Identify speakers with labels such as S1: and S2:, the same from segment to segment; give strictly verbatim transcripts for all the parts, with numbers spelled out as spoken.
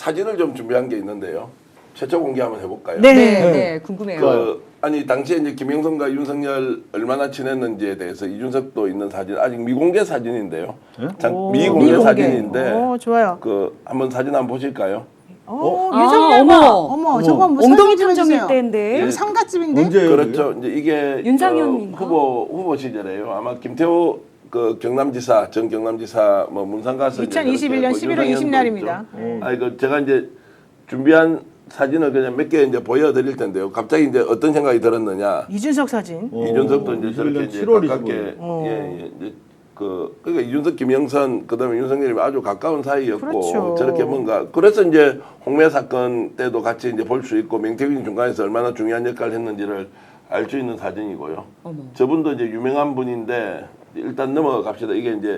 S1: 사진을 좀 준비한 게 있는데요. 최초 공개 한번 해볼까요?
S2: 네,
S3: 네,
S2: 네.
S3: 네, 궁금해요.
S1: 그, 아니 당시에 이제 김영선과 윤석열 얼마나 친했는지에 대해서 이준석도 있는 사진 아직 미공개 사진인데요.
S4: 네?
S1: 장,
S2: 오,
S1: 미공개,
S2: 미공개.
S1: 사진인데
S2: 오, 좋아요.
S1: 그 한번 사진 한번 보실까요?
S2: 어,
S3: 아,
S2: 윤석열
S3: 어머.
S2: 어머, 어머, 저거 뭐
S3: 엉덩이
S2: 설명 좀
S3: 탐정일
S2: 해주세요.
S3: 때인데.
S2: 여기 상가집인데?
S4: 언제예요?
S1: 그렇죠. 이제 이게
S3: 윤상현인가?
S1: 어, 후보 후보 시절에요. 아마 김태호 그 경남지사 전 경남지사 뭐 문산 가서 이제
S2: 이천이십일 년
S1: 그렇게
S2: 십일월
S1: 윤상현도
S2: 이십 날입니다.
S1: 있죠. 아니 그 제가 이제 준비한 사진을 그냥 몇 개 이제 보여드릴 텐데요. 갑자기 이제 어떤 생각이 들었느냐.
S2: 이준석 사진.
S4: 어,
S1: 이준석도 이제
S4: 이십일
S1: 저렇게
S4: 년
S1: 이제
S4: 칠월
S1: 가깝게
S4: 이십오일.
S2: 어.
S1: 예, 예, 이제 그 그러니까 이준석, 김영선 그다음에 윤석열이 아주 가까운 사이였고
S2: 그렇죠.
S1: 저렇게 뭔가 그래서 이제 홍매 사건 때도 같이 이제 볼 수 있고 명태균 중간에서 얼마나 중요한 역할을 했는지를 알 수 있는 사진이고요.
S3: 어머.
S1: 저분도 이제 유명한 분인데 일단 넘어가 갑시다. 이게 이제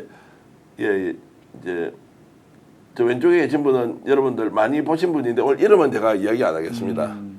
S1: 예 이제 저 왼쪽에 계신 분은 여러분들 많이 보신 분인데 오늘 이름은 제가 이야기 안 하겠습니다.
S4: 음.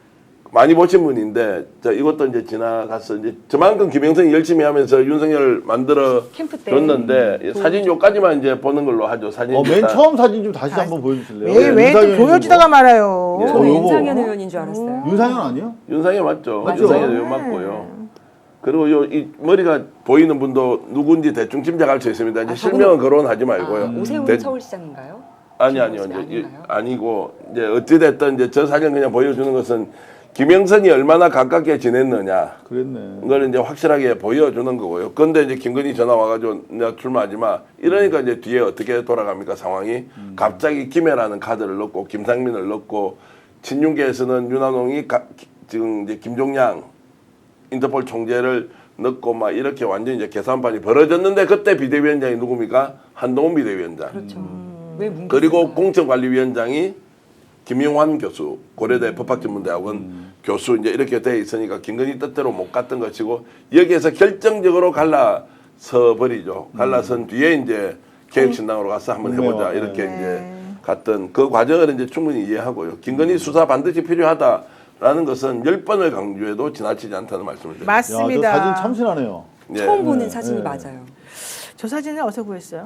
S1: 많이 보신 분인데 자 이것도 이제 지나갔어. 이제 저만큼 김영선이 열심히 하면서 윤석열 만들어
S3: 캠프 때.
S1: 줬는데 사진 요까지만 이제 보는 걸로 하죠. 사진
S4: 어, 맨
S1: 다-
S4: 처음 사진 좀 다시 한번 보여주실래요?
S2: 왜, 왜 또
S4: 윤상현
S2: 보여주다가
S4: 있는
S2: 말아요.
S1: 예.
S3: 저는
S4: 어, 요거.
S3: 윤상현 의원인 줄 알았어요.
S4: 거. 윤상현 아니요?
S1: 윤상현 맞죠?
S4: 맞죠?
S1: 윤상현 요
S2: 네.
S1: 맞고요. 그리고 요 이 머리가 보이는 분도 누군지 대충 짐작할 수 있습니다. 이제
S3: 아,
S1: 실명은 거론하지 말고요.
S3: 아, 오세훈
S1: 대-
S3: 서울시장인가요?
S1: 아니 아니요.
S3: 김영선이
S1: 이제 이-
S3: 아닌가요?
S1: 아니고 이제 어찌 됐든 이제 저 사진 그냥 보여주는 것은 김영선이 얼마나 가깝게 지냈느냐.
S4: 그랬네.
S1: 그걸 이제 확실하게 보여주는 거고요. 그런데 이제 김건희 전화 와가지고 내가 출마하지 마. 이러니까 이제 뒤에 어떻게 돌아갑니까 상황이? 갑자기 김해라는 카드를 넣고 김상민을 넣고 친윤계에서는 윤한홍이 가, 기- 지금 이제 김종양 인터폴 총재를 넣고 막 이렇게 완전 이제 계산판이 벌어졌는데 그때 비대위원장이 누굽니까? 한동훈 비대위원장.
S3: 그렇죠. 왜 뭉개?
S1: 그리고 공천관리위원장이 김용환 교수, 고려대 법학전문대학원 교수 이제 이렇게 돼 있으니까 김건희 뜻대로 못 갔던 것이고 여기에서 결정적으로 갈라서 버리죠. 갈라선 뒤에 이제 개혁신당으로 가서 한번 해보자
S4: 네.
S1: 이렇게
S2: 네.
S1: 이제 갔던 그 과정을 이제 충분히 이해하고요. 김건희 수사 반드시 필요하다라는 것은 열 번을 강조해도 지나치지 않다는 말씀을 드립니다.
S4: 야, 저
S2: 맞습니다.
S4: 사진 참신하네요.
S1: 예.
S3: 처음 보는
S4: 네,
S3: 사진이
S4: 네.
S3: 맞아요.
S2: 저 사진을 어디서 구했어요?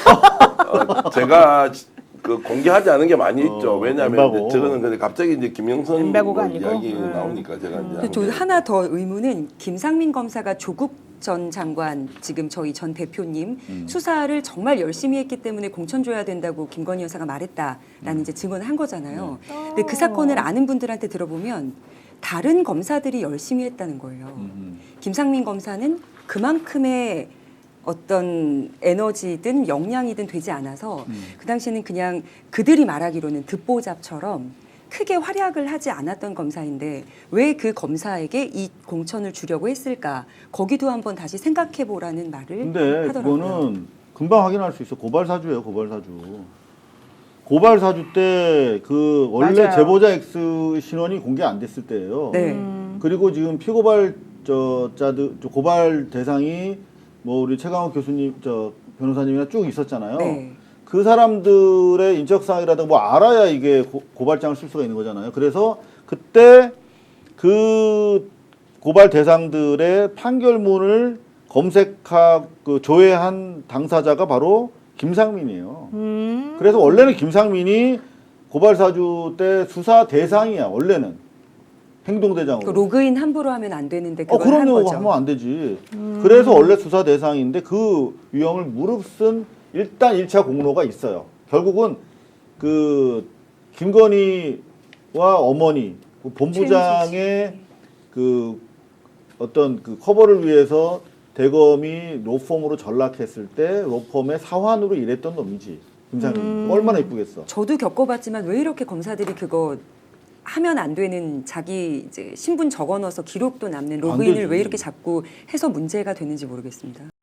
S1: 어, 제가 그 공개하지 않은 게 많이 있죠.
S4: 어,
S1: 왜냐하면
S4: 엠바고.
S1: 이제 저거는 근데 갑자기 이제 김영선
S2: 엠바고가
S1: 뭐
S2: 아니고?
S1: 이야기
S2: 음.
S1: 나오니까 제가 이제
S3: 근데 저
S1: 한 게-
S3: 하나 더 의문은 김상민 검사가 조국 전 장관 지금 저희 전 대표님
S4: 음.
S3: 수사를 정말 열심히 했기 때문에 공천 줘야 된다고 김건희 여사가 말했다라는
S4: 음.
S3: 이제 증언을 한 거잖아요.
S4: 네.
S3: 근데 그 사건을 아는 분들한테 들어보면 다른 검사들이 열심히 했다는 거예요.
S4: 음.
S3: 김상민 검사는 그만큼의 어떤 에너지든 역량이든 되지 않아서
S4: 음.
S3: 그 당시에는 그냥 그들이 말하기로는 듣보잡처럼 크게 활약을 하지 않았던 검사인데 왜 그 검사에게 이 공천을 주려고 했을까? 거기도 한번 다시 생각해 보라는 말을
S4: 근데
S3: 하더라고요.
S4: 그거는 금방 확인할 수 있어. 고발 사주예요, 고발 사주. 고발 사주 때 그 원래
S2: 맞아요.
S4: 제보자 X 신원이 공개 안 됐을 때예요.
S3: 네.
S2: 음.
S4: 그리고 지금 피고발 저 자들 저 고발 대상이 뭐 우리 최강욱 교수님 저 변호사님이나 쭉 있었잖아요.
S3: 네.
S4: 그 사람들의 인적 사항이라든가 뭐 알아야 이게 고, 고발장을 쓸 수가 있는 거잖아요. 그래서 그때 그 고발 대상들의 판결문을 검색하고 그 조회한 당사자가 바로 김상민이에요.
S2: 음.
S4: 그래서 원래는 김상민이 고발 사주 때 수사 대상이야. 원래는 행동대장으로.
S3: 그 로그인 함부로 하면 안 되는데
S4: 어,
S3: 그걸 한
S4: 그럼요.
S3: 거죠.
S4: 하면 안 되지. 그래서 원래 수사 대상인데 그 유형을 무릅쓴 일단 일 차 공로가 있어요. 결국은 그 김건희와 어머니, 그 본부장의 그 어떤 그 커버를 위해서 대검이 로펌으로 전락했을 때 로펌의 사환으로 일했던 놈이지. 김상민.
S2: 음.
S4: 얼마나 이쁘겠어.
S3: 저도 겪어봤지만 왜 이렇게 검사들이 그거 하면 안 되는 자기 이제 신분 적어넣어서 기록도 남는 로그인을
S4: 되지.
S3: 왜 이렇게 자꾸 해서 문제가 되는지 모르겠습니다.